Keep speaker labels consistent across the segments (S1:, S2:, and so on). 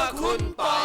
S1: คุณปอย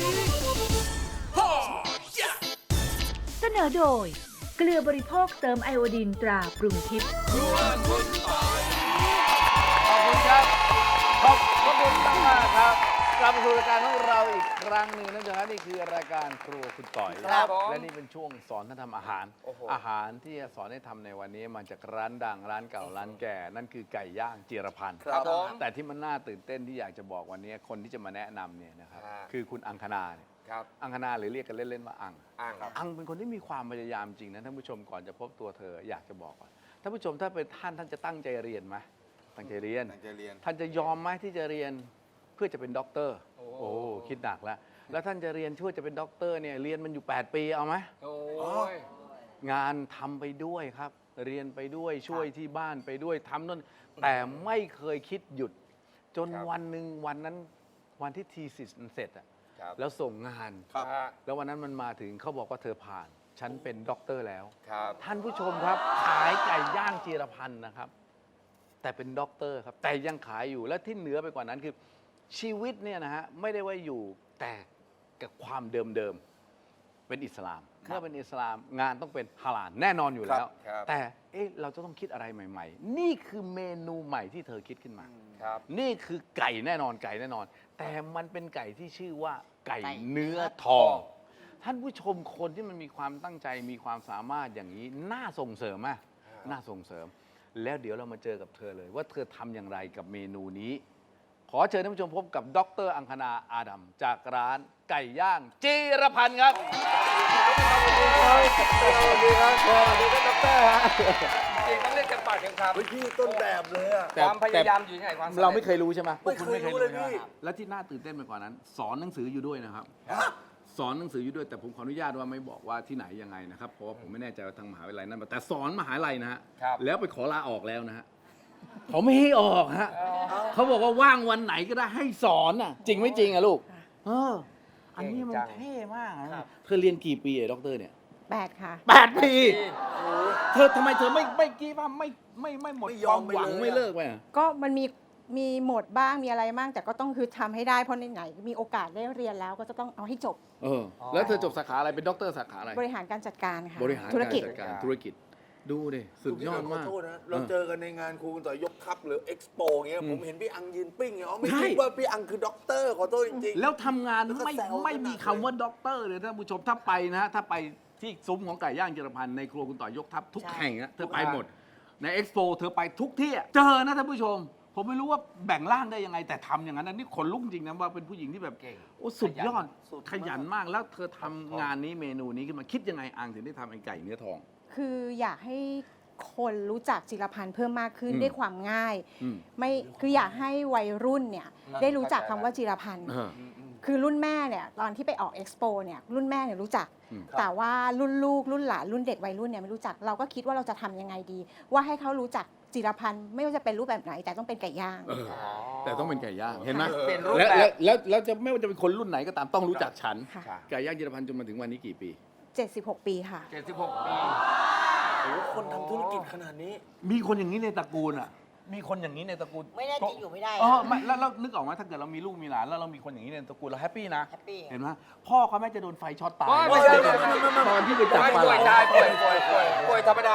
S2: เสนอโดยเกลือบริโภคเติมไอโอดีนตราปรุงทิพย์
S1: ครัวคุณปอย
S3: ขอบคุณครับ ขอบคุณมากๆครับกลับมาสู่รายการของเราอีกครั้งหนึ่งนั่นคือนี่คือรายการครัวคุณต่อย
S1: ครับผม
S3: และนี่เป็นช่วงสอนท่านทำอาหาร
S1: โอ้โห
S3: อาหารที่จะสอนให้ทำในวันนี้มาจากร้านดังร้านเก่าร้านแก่ นั่นคือไก่ย่างจิรพันธ์
S1: ครับผม
S3: แต่ที่มันน่าตื่นเต้นที่อยากจะบอกวันนี้คนที่จะมาแนะนำเนี่ยนะครับ
S1: ฮะ
S3: คือคุณอังคณาเนี่ย
S1: ครับ
S3: อังคณาหรือเรียกกันเล่นๆว่าอัง
S1: อ่างครับ
S3: อังเป็นคนที่มีความพยายามจริงนะท่านผู้ชมก่อนจะพบตัวเธออยากจะบอกก่อนท่านผู้ชมถ้าเป็นท่านจะตั้งใจเรียนไหมตั้งใจเรียน
S4: ตั้งใจเรียน
S3: ท่านจะยอมไหมที่จะเรียนเพื่อจะเป็นด็อกเตอร์
S1: โอ้
S3: โอ้คิดหนักแล้วแล้วท่านจะเรียนเพื่อจะเป็นด็อกเตอร์เนี่ยเรียนมันอยู่ 8 ปีเอาไหม
S1: โอ้ย
S3: งานทำไปด้วยครับ เรียนไปด้วยช่วยที่บ้านไปด้วยทำนั่นแต่ไม่เคยคิดหยุด จน
S1: ครับ
S3: วันหนึ่งวันนั้นวันที่ทีสิสมันเสร็จอะ
S1: ครับ
S3: แล้วส่งงาน
S4: ครับ
S1: ฮะ
S3: แล้ววันนั้นมันมาถึงเขาบอกว่าเธอผ่าน ฉันเป็นด็อกเตอร์แล้ว
S1: ครับ
S3: ท่านผู้ชมครับ ขายไก่ย่างจีรพันธ์นะครับ แต่เป็นด็อกเตอร์ครับ แต่ยังขายอยู่และที่เหนือไปกว่านั้นคือชีวิตเนี่ยนะฮะไม่ได้ว่าอยู่แต่กับความเดิมๆเป็นอิสลามเมื่อเป็นอิสลามงานต้องเป็นฮาลาลแน่นอนอยู่แล้ว
S1: ครับ
S3: แต่เอ๊ะเราจะต้องคิดอะไรใหม่ ๆ นี่คือเมนูใหม่ที่เธอคิดขึ้นมา
S1: ครับ
S3: นี่คือไก่แน่นอนไก่แน่นอน แต่มันเป็นไก่ที่ชื่อว่าไก่เนื้อทอง ท่านผู้ชมคนที่มันมีความตั้งใจมีความสามารถอย่างนี้น่าส่งเสริมไหมน่าส่งเสริม แล้วเดี๋ยวเรามาเจอกับเธอเลย ว่าเธอทำอย่างไรกับเมนูนี้ ขอเชิญท่านผู้ชมพบกับดรอังคณาอาดัมจากร้านไก่ย่างจีรพันธ์ครับสวัสดีครับสวัสดีครับดรฮะ
S1: จริงต้องเรียกกันปากกันครับ
S4: เฮ้ยพี่ต้นแบบเลยอะ
S1: ความพยายามอยู่ที่ไหนความสำร็จ
S3: เราไม่เคยรู้ใช่ไหม
S4: ไม่เคยรู้เลยพี่
S3: และที่น่าตื่นเต้นไปกว่านั้น สอนหนังสืออยู่ด้วยนะครับ สอนหนังสืออยู่ด้วยแต่ผมขออนุญาตว่าไม่บอกว่าที่ไหนยังไงนะครับเพราะว่าผมไม่แน่ใจว่าทางมหาวิทยาลัยนั้นแต่สอนมหาวิทยาลัยนะฮะ
S1: ครับ
S3: แล้วไปขอลาออกแล้วนะฮะเขาไม่ให้ออกฮะเขาบอกว่าว่างวันไหนก็ได้ให้สอนอ่ะจริงไม่จริงอะลูกเอออันนี้มันเท่มากนะเธอเรียนกี่ปีด็อกเตอร์เนี่ย
S5: 8 ค่ะ
S3: 8 ปีเธอทำไมเธอไม่กี้ว่าไม่หมด
S4: ไม่
S3: ค
S4: ยอ
S3: วาม ม
S4: ไป
S3: หวัง
S4: เลย
S3: ไม่เลิกไปอะ
S5: ก็มันมีหมดบ้างมีอะไรบ้างแต่ก็ต้องคือทำให้ได้เพราะไหนๆมีโอกาสได้เรียนแล้วก็จะต้องเอาให้จบ
S3: เออแล้วเธอจบสาขาอะไรเป็นด็อกเตอร์สาขาอะไร
S5: บริหารการจัดการค่ะ
S3: บริหาร
S5: ธุรกิจ
S3: าจัดการธุรกิจดูดิสุดยอด
S4: ขอ
S3: มาก
S4: โทษนะ เราเจอกันในงานครูคุณต่อยยกคัพหรือเอ็กซ์โปเงี้ย ผมเห็นพี่อังยืนปิ้งเงี้ยอ๋อไม่
S3: ใช่
S4: คิดว่าพี่อังคือด็อกเตอร์ขอโทษจริงๆ
S3: แล้วทำงาน
S4: แล้วก็
S3: ไม่
S4: แซว
S3: ไม่มี
S4: กันหนัก
S3: คำว่าด็อกเตอร์เลยท่านผู้ชมถ้าไปนะถ้าไปที่ซุ้มของไก่ย่างจิรพันธ์ในครัวคุณต่อยยกทัพทุก
S5: ใช่
S3: แห่งนะเธอไปหมด ในเอ็กซ์โปเธอไปทุกที่อะเจอนะท่านผู้ชม ผมไม่รู้ว่าแบ่งร่างได้ยังไงแต่ทำอย่างนั้นนะนี่ขนลุกจริงนะว่าเป็นผู้หญิงที่แบบ
S1: เก่ง
S3: โอ้สุดยอด
S4: สุดมาก
S3: ขยันมากแล้วเธอทำงานนี้เมนูนี้ขึ้นมาคิดยังไงอังถึงได้ทำไอ้ไก่เนื้อทอง
S5: คืออยากให้คนรู้จักจิรพันธ์เพิ่มมากขึ้น
S3: อืม
S5: ด้วยความง่าย
S3: อืม
S5: ไม่คืออยากให้วัยรุ่นเนี่ยได้รู้จักคำว่าจิรพันธ์
S3: เออ
S5: คือรุ่นแม่เนี่ยตอนที่ไปออกเอ็กซ์โปเนี่ยรุ่นแม่เนี่ยรู้จัก
S3: อืม
S5: แต่ว่ารุ่นลูกรุ่นหลานรุ่นเด็กวัยรุ่นเนี่ยไม่รู้จักเราก็คิดว่าเราจะทำยังไงดี ว่าให้เขารู้จักจิรพันธ์ไม่ว่าจะเป็นรูปแบบไหน แต่ต้องเป็นไก่ย่าง
S3: เออแต่ต้องเป็นไก่ย่างเห็นไหม
S1: เป็นรูป
S3: แล้ว
S1: แบบ
S3: แล้วจะไม่ว่าจะเป็นคนรุ่นไหนก็ตามต้องรู้จักฉัน
S5: ค่ะ
S3: ไก่ย่างจิรพันธ์จนมาถึงวันนี้กี่ปี
S5: 76 ปีค่ะ
S1: 76 ปี
S4: โอ้โหคนทำธุรกิจขนาดนี้
S3: มีคนอย่างนี้ในตระกูลอ่ะ มีคนอย่างนี้ในตระกูล
S6: ไม่แน่จริงอยู่ไม่ได้
S3: เออไม่แล้วนึกออกไหมถ้าเกิดเรามีลูกมีหลานแล้วเรามีคนอย่างนี้ในตระกูลเราแฮปปี้นะ
S6: แฮปปี้
S3: เห็นไหมพ่อเขาแม่จะโดนไฟช็อตตาย
S1: ไม่ใช่
S3: ตอนที่ไปจับปลา
S1: ป่วย
S3: ไหล
S1: ได้ป่วยธรรมดา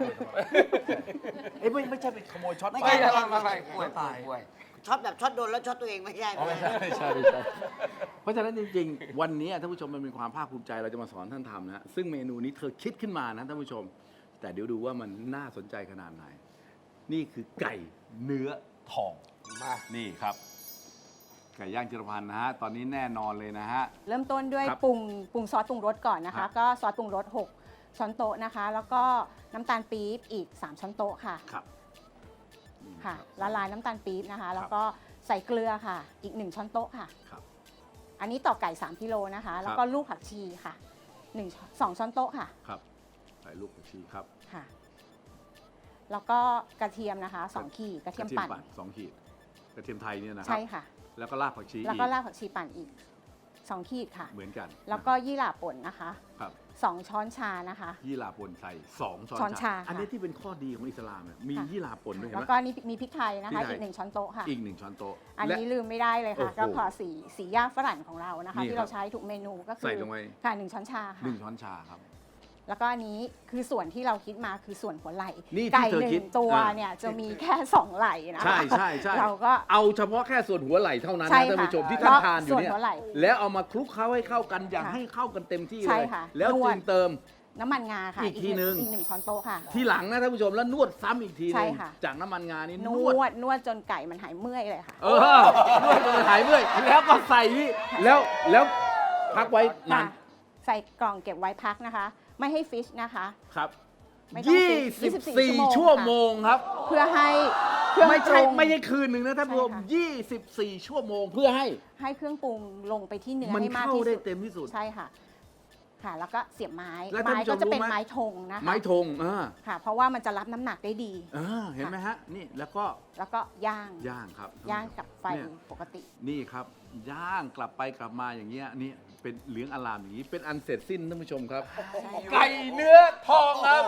S3: เอ้ยไม่ใช่ไปขโมยช็อต
S6: ไม่
S3: ไฟ
S6: ใช่
S1: ไม่ป่วยป่วย
S6: ช็อตแบบช็อตโดนแล้วช็อตตัวเองไม่ใช่
S3: อ๋อไม่ใช่เพราะฉะนั้นจริงๆ วันนี้ท่านผู้ชมมันเป็นความภาคภูมิใจเราจะมาสอนท่านทำนะซึ่งเมนูนี้เธอคิดขึ้นมานะท่านผู้ชม แต่เดี๋ยวดูว่ามันน่าสนใจขนาดไหน นี่คือไก่เนื้อทอง
S1: มา
S3: นี่ครับ ไก่ย่างจิรพันธ์นะฮะ ตอนนี้แน่นอนเลยนะฮะ
S5: เริ่มต้นด้วย
S3: ครับ
S5: ปรุงซอสปรุงรสก่อนนะ
S3: ครั
S5: คะ
S3: บ
S5: ก็ซอสปรุงรส6ช้อนโต๊ะนะคะ แล้วก็น้ำตาลปี๊บอีก3ช้อนโต๊ะค่ะ
S3: ครับ
S5: ค่ะละลายน้ำตาลปี๊บนะคะ แล้วก็ใส่เกลือค่ะ อีก1ช้อนโต๊ะค่ะ
S3: ครับ
S5: อันนี้ต่อไก่3กิโลนะคะ แล้วก็ลูกผักชีค่ะ2ช้อนโต๊ะค่ะ
S3: ครับใส่ลูกผักชีครับ
S5: ค่ะ แล้วก็กระเทียมนะคะ2ขีดกระเทียมปั่น
S3: 2 ขีด กระเทียมไทยเนี่ยนะครั
S5: ใช่ค่ะ
S3: แล้วก็รากผักชี
S5: แล้วก็
S3: อีก
S5: รากผักชีปั่นอีก 2 ขีดค่ะ
S3: เหมือนกัน
S5: แล้วก็ยี่หร่าป่นนะคะ
S3: ครับ
S5: 2 ช้อนชานะคะ
S3: ยี่หร่าป่นใส่2 ช้
S5: ช้อนชา
S3: อันนี้ที่เป็นข้อดีของอิสลามเนี่ยมี
S5: ค่ะ
S3: ยี่หร่าป่นด้วยเห็น
S5: แล้ว
S3: ไหม
S5: ก็นี่มีพริกไทยนะ
S3: พริ
S5: คะ
S3: กไทย
S5: อีก 1 ช้อนโต๊ะค่ะ
S3: อีก1 ช้อนโต๊ะ
S5: อัน
S3: และ
S5: นี้ลืมไม่ได้เลยค่ะ
S3: โอ้โห
S5: ก็พอสีย่าฝรั่งของเรานะคะ
S3: นี่
S5: ที่
S3: ครั
S5: เรา
S3: บ
S5: ใช้ทุกเมนูก็คื
S3: ใส่ลงไป
S5: ค่ะ1 ช้อนชาค่ะ
S3: 1 ช้อนชาครับ
S5: แล้วก็อันนี้คือส่วนที่เราคิดมาคือส่วนหัวไหล่
S3: นี่ที่
S5: ไก่
S3: เธอ
S5: หนึ่
S3: คิด
S5: งตัว
S3: อ่า
S5: เนี่ยจะมีแค่ 2 ไหล่นะคะ
S3: ใช่ใช่ใช่
S5: เราก็
S3: เอาเฉพาะแค่ส่วนหัวไหล่เท่านั้น
S5: ใช่
S3: นะท่าน
S5: ค่ะ
S3: ผู้ชมที่ท่านทานอยู่เนี่ย
S5: ส่วนหัวไหล่
S3: แล้วเอามาคลุกเคล้าให้เข้ากันอย่าง
S5: ค่ะ
S3: ให้เข้ากันเต็มที่
S5: ใช่
S3: เลย
S5: ค่ะ
S3: แล้ว
S5: นวด
S3: จึงเติม
S5: น้ำมันงาค่ะ
S3: อีกทีนึง
S5: อีก 1 ช้อนโต๊ะค่ะ
S3: ทีหลังนะท่านผู้ชมแล้วนวดซ้ำอีกทีห
S5: ใช่
S3: นึง
S5: ค่ะ
S3: จากน้ำมันงานี่
S5: น
S3: นวด
S5: วดจนไก่มันหายเมื่อยเลยค่ะ
S3: นวดจนหายเมื่อยแล้วก็ใส่นี่แล้วพักไว้นาน
S5: ค่ะใส่กล่องเก็บไว้พักนะคะ ไม่ให้ฟิชนะคะ
S3: ครับ
S5: ไม่ต้องฟิช
S3: 24 ชั่วโมงครับ
S5: เพื่อให้เครื่อง
S3: ไม่
S5: ป
S3: ใช่
S5: รุง
S3: ไม่ใช่คืนหนึ่งนะท่านผู้ชม
S5: ใช่ค่ะ
S3: 24 ชั่วโมงเพื่อให้
S5: ให้เครื่องปรุงลงไปที่เนื้อ
S3: มัน
S5: ให้มาก
S3: เข้า
S5: ที่
S3: ได้
S5: สุด
S3: เต็มที่สุด
S5: ใช่ค่ะ ค่ะ แล้วก็เสียบไม้
S3: แล้วท่าน
S5: ไม้
S3: ผู้ชม
S5: ก็จะเป็น
S3: รู้ไหม
S5: ไม้ธงนะคะ
S3: ไม้ธง
S5: ค่ะ เพราะว่ามันจะรับน้ำหนักได้ดี
S3: เห็นไหมฮะนี่แล้วก็
S5: แล้วก็ย่าง
S3: ย่างครับ
S5: ย่างกับไฟ
S3: เนี่ย
S5: ปกติ
S3: นี่ครับ ย่างกลับไปกลับมาอย่างเงี้ยนี่เป็นเหลืองอลามอย่างนี้เป็นอันเสร็จสิ้นท่านผู้ชมครับ ไก่เนื้อทองครับ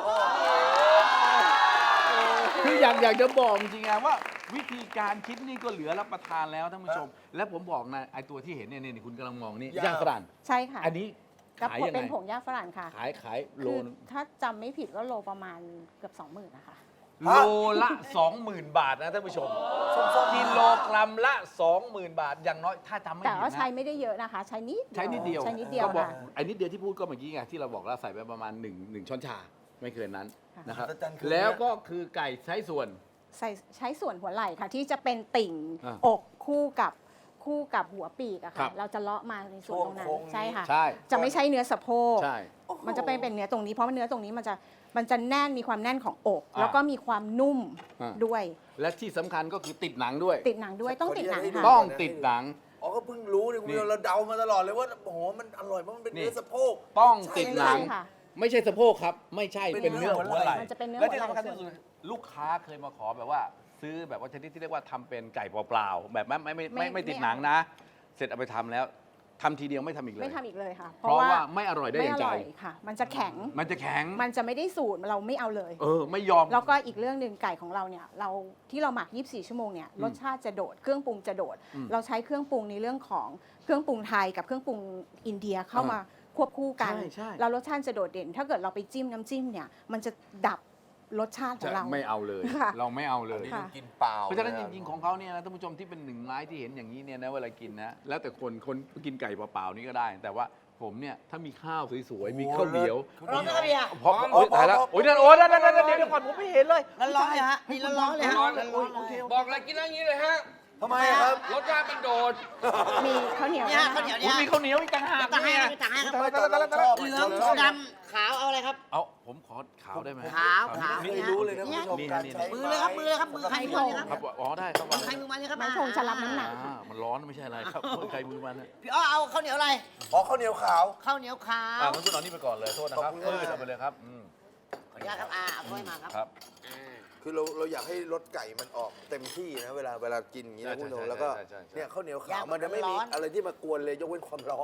S3: คืออยากจะบอกจริงๆว่า วิธีการคิดนี่ก็เหลือรับประทานแล้วท่านผู้ชม และผมบอกนะไอตัวที่เห็นเนี่ยนี่คุณกำลังมองนี่ย่างฝรั่ง
S5: ใช่ค่ะ
S3: อันนี้
S5: ก็
S3: ขายยัง
S5: เป็น
S3: ไง
S5: ผงย่างฝรั่งค่ะ
S3: ขายโล
S5: คือ
S3: นึง
S5: ถ้าจำไม่ผิดก็โลประมาณเกือบ 20,000นะคะ
S3: โลละ 20,000 บาทนะท่านผู้ชมกิโลกรัมละ 20,000 บาท อย่างน้อยถ้าจำไม่
S5: แต่
S3: ผิด
S5: ว่าใช้
S3: นะ
S5: ไม่ได้เยอะนะคะ ใช้นิด
S3: ใช้นิดเดียว
S5: ใช้นิดเดียว
S3: ก็บอก
S5: ค่ะ
S3: ไอ้นิดเดียวที่พูดก็เมื่อกี้ไงที่เราบอกเราใส่ไปประมาณ1 ช้อนชาไม่เกินนั้น
S5: ค่ะ
S3: นะครับ
S4: อาจารย์คือ
S3: แล้วก็คือไก่ใช้ส่วน
S5: ใช้ส่วนหัวไหล่ค่ะ ที่จะเป็นติ่ง
S3: อ่า
S5: อกคู่กับหัวปีกอะ
S3: ครั
S5: ค่ะ
S3: บ
S5: เราจะเลาะมาในส่วนตรงนั้น
S4: ช่วงโค้งนี้
S5: ใช่ค่ะ
S3: ใช่
S5: จะไม่ใช่เนื้อสะโพก
S3: ใช่
S5: มันจะเป็นเนื้อตรงนี้เพราะว่าเนื้อตรงนี้มันจะแน่นมีความแน่นของอก
S3: อ่า
S5: แล้วก็มีความนุ่ม
S3: อ่า
S5: ด้วย
S3: และที่สำคัญก็คือติดหนังด้วย
S5: ติดหนังด้วยต้องติดหนัง
S4: ขออนุญาตให้ดู
S5: ค่ะ
S3: ต้องติดหนัง
S4: อ๋อก็เพิ่งรู้นี่คุณ
S3: นี่
S4: เราเดามาตลอดเลยว่าโอ้โหมันอร่อยเพราะมันเป็น
S3: นี่
S4: เนื้อสะโพก
S3: ต้องติดหนัง
S5: ใช่ค่ะ
S3: ไม่ใช่สะโพกครับ ไม่ใช่
S4: เป็
S3: เป็น
S4: น
S3: เนื้อ
S4: เนื้อ
S3: หัวไหล่
S5: มันจะเป็นเนื้อ
S3: และที่
S5: หัวไหล่
S3: สำคัญที่สุดลูกค้าเคยมาขอแบบว่า ซื้อแบบว่าชนิดที่เรียกว่าทำเป็นไก่เปล่าๆแบบไม่ติดหนังนะ เสร็จเอาไปทำแล้วทำทีเดียวไม่ทำอีกเลย
S5: ไม่ทำอีกเลยค่ะ
S3: เพราะว่าไม่อร่อยได้
S5: ไม่
S3: อย่า
S5: อง
S3: ใจ
S5: ร่อยค่ะ มันจะแข็ง
S3: มันจะแข็ง
S5: มันจะไม่ได้สูตรเราไม่เอาเลย
S3: ไม่ยอม
S5: แล้วก็อีกเรื่องหนึ่งไก่ของเราเนี่ยที่เราหมัก 24 ชั่วโมงเนี่ยรสชาติจะโดด เครื่องปรุงจะโดด
S3: อืม
S5: เราใช้เครื่องปรุงในเรื่องของเครื่องปรุงไทยกับเครื่องปรุงอินเดียเข้ามาควบคู่กัน
S3: ใช่
S5: แล้วรสชาติจะโดดเด่น ถ้าเกิดเราไปจิ้มน้ำจิ้มเนี่ยมันจะดับรสชาติของเรา
S3: ไม่เอาเลย
S5: ค่ะ
S3: เราไม่เอาเลย
S5: ค่ะ
S4: กินเปล่า
S3: เพราะฉะนั้นจริงๆของเขาเนี่ยนะท่านผู้ชมที่เป็นหนึ่งไม้ที่เห็นอย่างนี้เนี่ยนะเวลากินนะแล้วแต่คนกินไก่เปล่าๆนี่ก็ได้ แต่ว่าผมเนี่ยถ้ามีข้าวสวยๆมีข้าวเหนียว
S6: ร้อนไหมครับพี่อะ
S3: พอตายแล้วโอ้ยนั่นโอ้ยนั่นเดี๋ยวก่อนผมไม่เห็นเลย
S6: ร้อนๆเลยฮะนี่ร้อนๆเลยฮะ
S1: ร้อนๆ
S6: ร้อนๆเลย
S1: บอกอะไรกินอย่างนี้เลยฮะ
S4: ทำไมอะครับ
S1: รสชาติมันโดด
S5: มีข้าวเหนียว
S6: เนี่ย
S5: นะคะ
S6: ข้าวเหนียว
S3: โอ้
S6: เนี่ย
S3: มีข้าวเหนียวอีกต่างหาก
S6: ต่างให้
S3: เนี่ย
S6: ต่างให้ครับ
S4: ไม่
S6: เหลืองดำขาวเอาอะไรครับ
S3: เอาผมขอขาวได้ไหม
S6: ขาว
S4: ไม่รู้เลยนะคุณผู้ชม
S3: นี่
S4: การ
S3: นี่
S4: ใช้
S6: มือเลยครับมือเลยครับมือใครมือมันเลย
S3: ค
S6: ค
S3: รั
S6: รั
S3: บบ อ๋อได้ครับ
S6: มือใครมือมันเลยครับ
S5: ไม้ธงจะรับน้ำหนัก
S3: มันร้อนไม่ใช่อะไรครับใครมือมันนะ
S6: พี่อ้อเอาข้าวเหนียวอะไร
S4: อ๋อข้าวเหนียวขาว
S6: ข้าวเหนียวขาว
S3: งั้นคุณเอานี่ไปก่อนเลยโทษนะครับ
S4: ขอบคุณมาก
S3: เอาไปเลยครับ
S6: ขออนุญาตครับเอาถ้วยมาครับ
S3: ครับ
S4: คือเราอยากให้รสไก่มันออกเต็มที่นะเวลากินอย่างนี้นะคุณผู้ชมแล้วก็เนี่ยข้าวเหนียวขาวมันจะไม่มีอะไรที่มากวนเลยยกเว้นความร้อน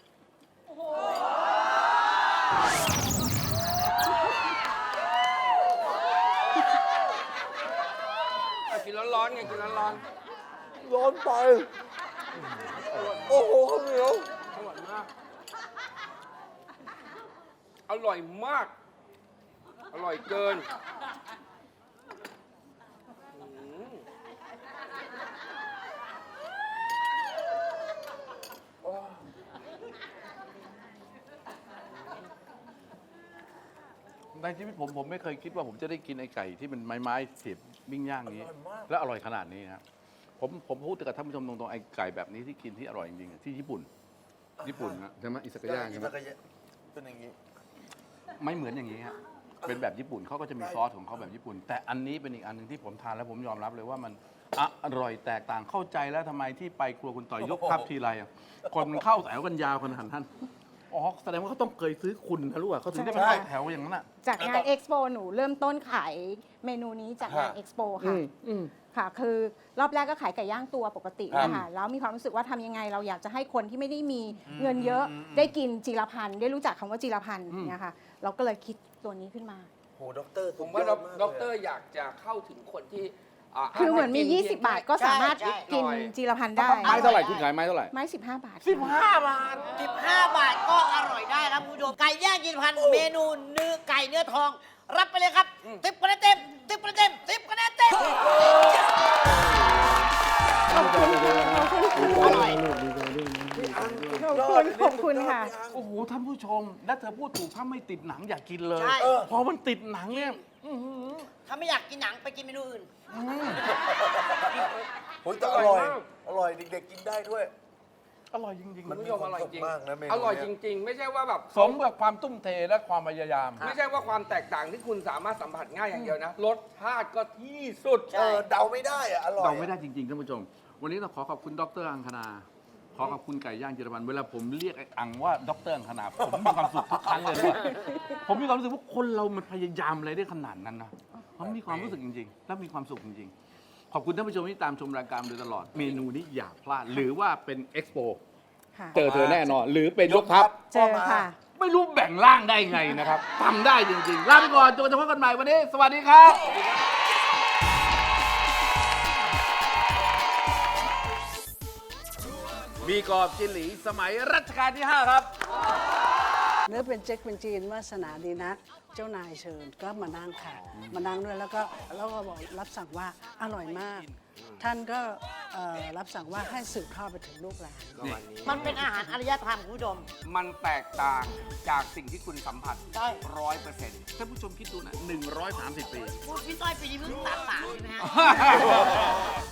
S1: กินร้อนๆไงกินร้อน
S4: ร้อนไป โอ้โหข้าวเหนียว
S1: ๆอร่อยมาก อร่อยเกิน
S3: ในชีวิตผมไม่เคยคิดว่าผมจะได้กินไอ้ไก่ที่เป็นไม้เสียบปิ้งย่างนี้ และอร่อยขนาดนี้ครับผมพูดกับท่านผู้ชมตรงๆไอ้ไก่แบบนี้ที่กินที่อร่อยจริงๆที่ญี่ปุ่นนะใช่ไหมอิซากายะใช่ไหม
S4: เป็นอย่างนี้
S3: ไม่เหมือนอย่างนี้ฮะเป็นแบบญี่ปุ่นเขาก็จะมีซอสของเขาแบบญี่ปุ่น แต่อันนี้เป็นอีกอันหนึ่งที่ผมทานแล้วผมยอมรับเลยว่ามันอร่อยแตกต่างเข้าใจแล้วทำไมที่ไปครัวคุณต่อยยกทัพทีไรอะคนมันเข้าแถวกันยาวขนาดนั้นอ๋อแสดงว่าเขาต้องเคยซื้อคุณนะลูกเขาถึงได้มา
S4: ใช่
S3: เข้าแถวอย่างนั้นอ่ะ
S5: จากงานเอ็กซ์โปหนูเริ่มต้นขายเมนูนี้จากงาน
S4: ฮะ
S5: เอ็กซ์โปค่ะ ค่ะ คือรอบแรกก็ขายไก่ย่างตัวปกติ
S4: ครับ
S5: นะคะแล้วมีความรู้สึกว่าทำยังไงเราอยากจะให้คนที่ไม่ได้มีเงินเยอะได้กินจิรพันธ์ได้รู้จักคำว่าจิรพันธ์เนี่ยค่ะเราก็เลยคิดตัวนี้ขึ้นมา
S4: โหด็อกเตอร์
S1: ผมว่าด็อกเตอร์อยากจะเข้าถึงคนที่
S5: คือเหมือนมี 20 บาทก็สามารถ
S6: ใช่
S5: กิน
S1: หน่อย
S5: จิรพันธ์ได้
S3: ไม้เท่าไหร่คุณขายไม้เท่าไหร่
S5: ไม้15 บาท
S3: 15 บาท
S6: 15 บาทก็อร่อยได้ครับคุณผู้ชมไก่ย่างจิรพันธ์เมนูเนื้อไก่เนื้อทอง รับไปเลยครับ10คะแนนเต็ม10คะแนนเต็ม10คะแนนเต็มอร่อย
S5: ขอบคุณค่ะ
S3: โอ้โหท่านผู้ชม และเธอพูดถูกถ้าไม่ติดหนังอย่ากินเลย
S6: ใช่
S3: พอมันติดหนังเนี่ย
S6: ถ้าไม่อยากกินหนังไปกินเมนูอื่น
S4: โหแต่อร่อย อร่อยเด็กๆกินได้ด้วย
S3: อร่อยจริง
S4: มัน
S1: คุณ
S4: มี
S1: ผู้ชม
S4: ควา
S1: อ
S4: ม
S1: ร่อย
S4: สุข
S1: จริง
S4: มากนะเมนู
S1: อร่อย
S4: เนี้
S1: จริง ๆ ไม่ใช่ว่าแบบ
S3: สมกับความตุ้มเทและความพยายาม
S1: ไม่ใช่ว่าความแตกต่างที่คุณสามารถสัมผัสง่ายอย่างเดียวนะรสชาติก็ที่สุด
S4: เดาไม่ได้อะอร่อย
S3: เราไม่ได้จริงๆท่านผู้ชม วันนี้ต้องขอขอบคุณดรอังคณา ขอขอบคุณไก่ย่างจิรพันธ์เวลาผมเรียกไอ้อังว่าดรอังคณาผมมีความสุขทุกครั้งเลยนะผมมีความรู้สึกว่าคนเรามันพยายามอะไรได้ขนาดนั้นนะผมมีความรู้สึกจริงๆ และมีความสุขจริงๆ ขอบคุณท่านผู้ชมที่ตามชมรายการโดยตลอด เมนูนี้อย่าพลาด หรือว่าเป็นเอ็กซ์โป
S5: ค่ะ
S3: เจอเธอแน่นอน หรือเป็นยกทัพ
S5: เจอค่ะ
S3: ไม่รู้แบ่งร่างได้ไงนะครับทำได้จริงๆ ลาไปก่อนจนกระทั่งพบกันใหม่วันนี้ สวัสดีครับ มีกรอบจิหลีสมัยรัชกาลที่ 5 ครับ
S7: เนื้อเป็นเจ๊กเป็นจีนวาสนาดีนัก เจ้านายเชิญก็มานั่งค่ะ มานั่งด้วยแล้วก็บอกรับสั่งว่าอร่อยมาก ท่านก็รับสั่งว่าให้สืบทอดไปถึงลูกหลาน
S6: มันเป็นอาหารอารยธรรมคุณผู้ชม
S1: มันแตกต่างจากสิ่งที่คุณสัมผัส
S6: ใช่
S1: 100%
S3: ท่านผู้ชมคิดดูนะ 130 ปี
S6: พี่ต้อยปีนี้เพิ่ง33ใช่ไหมฮะ